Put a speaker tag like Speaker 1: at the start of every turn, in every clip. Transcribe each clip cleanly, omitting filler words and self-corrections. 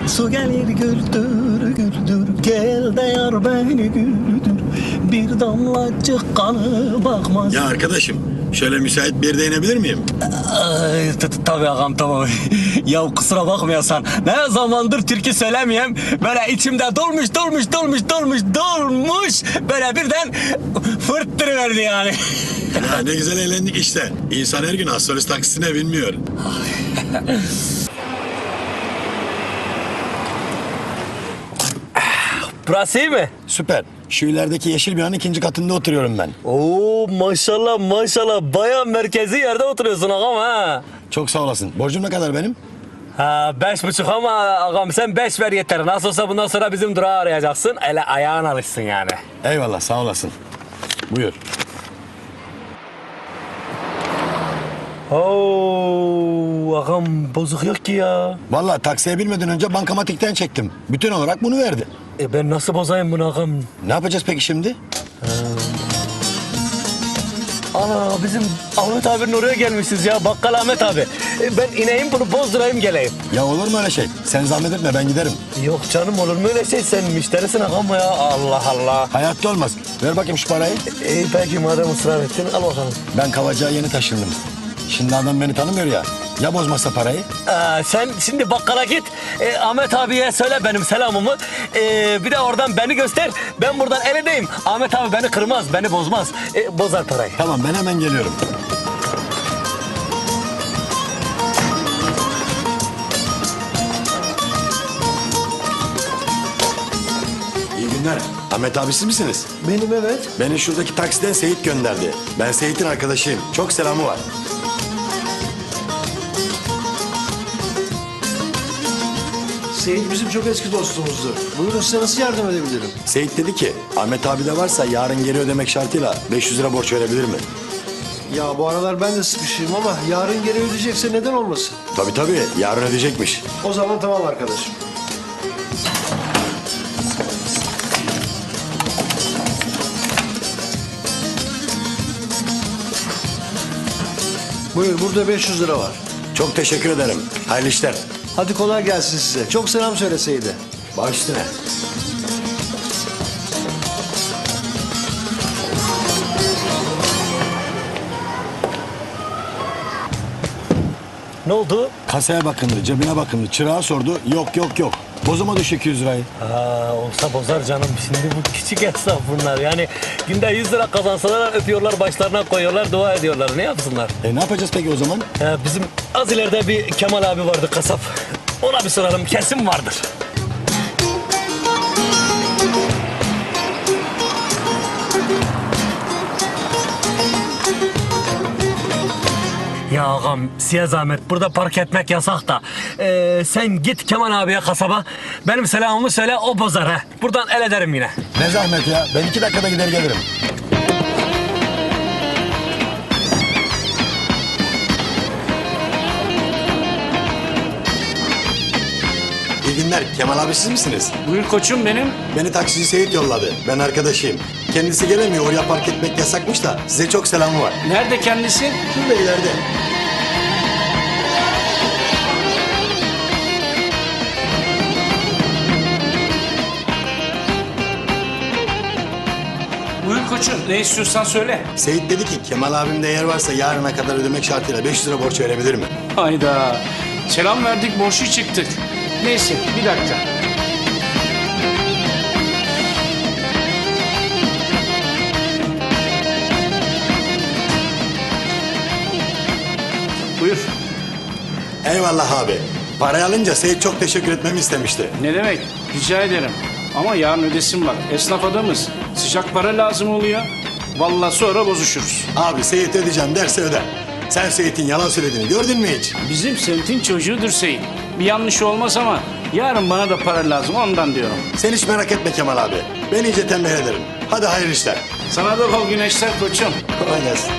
Speaker 1: Su gelir güldür güldür, gel de yar beni güldür. Bir damlacık kanı bakmaz.
Speaker 2: Ya arkadaşım, şöyle müsait bir yerde inebilir miyim?
Speaker 1: Tabii ağam tamam. Ya kusura bakmıyorsan ne zamandır türkü söylemeyeyim. Böyle içimde dolmuş. Böyle birden fırttırıverdi yani.
Speaker 2: Ya ne güzel eğlendik işte. İnsan her gün astrolist taksisine binmiyor.
Speaker 1: Burası iyi mi?
Speaker 2: Süper. Şu ilerideki yeşil binanın ikinci katında oturuyorum ben.
Speaker 1: Oo maşallah baya merkezi yerde oturuyorsun ağam ha.
Speaker 2: Çok sağ olasın. Borcum ne kadar benim?
Speaker 1: Ha 5,5 ama ağam sen 5 ver yeter. Nasıl olsa bundan sonra bizim durağı arayacaksın. Ele ayağın alışsın yani.
Speaker 2: Eyvallah, sağ olasın. Buyur.
Speaker 1: Oo ağam bozuk yok ki ya.
Speaker 2: Vallahi taksiye binmeden önce bankamatikten çektim. Bütün olarak bunu verdi.
Speaker 1: Ben nasıl bozayım bunu ağam?
Speaker 2: Ne yapacağız peki şimdi?
Speaker 1: Ana bizim Ahmet abinin oraya gelmişiz ya. Bakkal Ahmet abi. Ben ineyim bunu bozdurayım geleyim.
Speaker 2: Ya olur mu öyle şey? Sen zahmet etme, ben giderim.
Speaker 1: Yok canım olur mu öyle şey? Sen müşterisin ağam ya. Allah Allah.
Speaker 2: Hayatta olmaz. Ver bakayım şu parayı.
Speaker 1: Peki madem ısrar ettin al bakalım.
Speaker 2: Ben Kavacık'a yeni taşındım. Şimdi adam beni tanımıyor ya. Ya bozmazsa parayı?
Speaker 1: Sen şimdi bakkala git. Ahmet abiye söyle benim selamımı. Bir de oradan beni göster. Ben buradan el edeyim. Ahmet abi beni kırmaz, beni bozmaz. Bozar parayı.
Speaker 2: Tamam, ben hemen geliyorum. İyi günler. Ahmet abi siz misiniz?
Speaker 3: Benim evet.
Speaker 2: Beni şuradaki taksiden Seyit gönderdi. Ben Seyit'in arkadaşıyım. Çok selamı var.
Speaker 3: Seyit bizim çok eski dostumuzdur. Buyurun size nasıl yardım edebilirim?
Speaker 2: Seyit dedi ki Ahmet abi de varsa yarın geri ödemek şartıyla 500 lira borç verebilir mi?
Speaker 3: Ya bu aralar ben de sıkışayım ama yarın geri ödeyecekse neden olmasın?
Speaker 2: Tabii yarın ödeyecekmiş.
Speaker 3: O zaman tamam arkadaşım. Buyur burada 500 lira var.
Speaker 2: Çok teşekkür ederim. Hayırlı işler.
Speaker 3: Hadi kolay gelsin size. Çok selam söyle Seyit'e.
Speaker 2: Baş üstüne.
Speaker 1: Ne oldu?
Speaker 2: Kasaya bakındı, cebine bakındı, çırağa sordu. Yok. Bozuma düş 200 lirayı.
Speaker 1: Olsa bozar canım. Şimdi bu küçük esnaf bunlar. Yani günde 100 lira kazansalar öpüyorlar, başlarına koyuyorlar, dua ediyorlar. Ne yapsınlar?
Speaker 2: Ne yapacağız peki o zaman?
Speaker 1: Bizim az ileride bir Kemal abi vardı kasap. Ona bir soralım kesin vardır. Ya ağam size zahmet burada park etmek yasak da. Sen git Kemal abiye kasaba. Benim selamımı söyle o bozar ha. Buradan el ederim yine.
Speaker 2: Ne zahmet ya. Ben 2 dakikada gider gelirim. İyi günler. Kemal abi siz misiniz?
Speaker 4: Buyur koçum benim.
Speaker 2: Beni taksici Seyit yolladı. Ben arkadaşıyım. Kendisi gelemiyor. Oraya park etmek yasakmış da size çok selamı var.
Speaker 4: Nerede kendisi?
Speaker 2: Şurada ileride.
Speaker 4: Buyur koçum. Ne istiyorsan söyle.
Speaker 2: Seyit dedi ki Kemal abimde yer varsa yarına kadar ödemek şartıyla 500 lira borç verebilir mi?
Speaker 4: Hayda. Selam verdik, borçlu çıktık. Neyse, bir dakika. Buyur.
Speaker 2: Eyvallah abi. Parayı alınca Seyit çok teşekkür etmemi istemişti.
Speaker 4: Ne demek? Rica ederim. Ama yarın ödesim var. Esnaf adamız. Sıcak para lazım oluyor. Vallahi sonra bozuşuruz.
Speaker 2: Abi Seyit ödeyeceğim derse öder. Sen Seyit'in yalan söylediğini gördün mü hiç?
Speaker 4: Bizim semtin çocuğudur Seyit. Bir yanlış olmaz ama yarın bana da para lazım ondan diyorum.
Speaker 2: Sen hiç merak etme Kemal abi. Ben iyice tembih ederim. Hadi hayırlı işler.
Speaker 4: Sana da bol güneşler koçum.
Speaker 2: Kolay gelsin.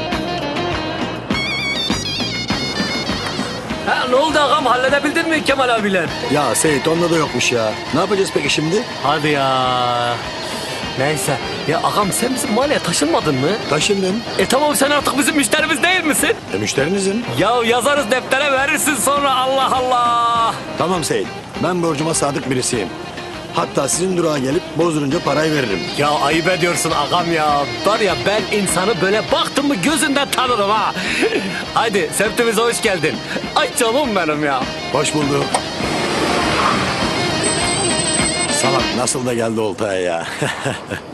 Speaker 1: Ne oldu ağam halledebildin mi Kemal abiler?
Speaker 2: Ya Seyit onda da yokmuş ya. Ne yapacağız peki şimdi?
Speaker 1: Hadi ya. Neyse. Ya ağam sen bizim mahalleye taşınmadın mı?
Speaker 2: Taşındım.
Speaker 1: Tamam sen artık bizim müşterimiz değil misin?
Speaker 2: Müşterinizim.
Speaker 1: Ya yazarız deftere verirsin sonra Allah Allah.
Speaker 2: Tamam Seyit. Ben borcuma sadık birisiyim. Hatta sizin durağa gelip bozdurunca parayı veririm.
Speaker 1: Ya ayıp ediyorsun ağam ya. Var ya ben insanı böyle baktım mı gözünden tanırım ha. Haydi semtimize hoş geldin. Ay canım benim ya.
Speaker 2: Hoş bulduk. Salak nasıl da geldi oltaya ya.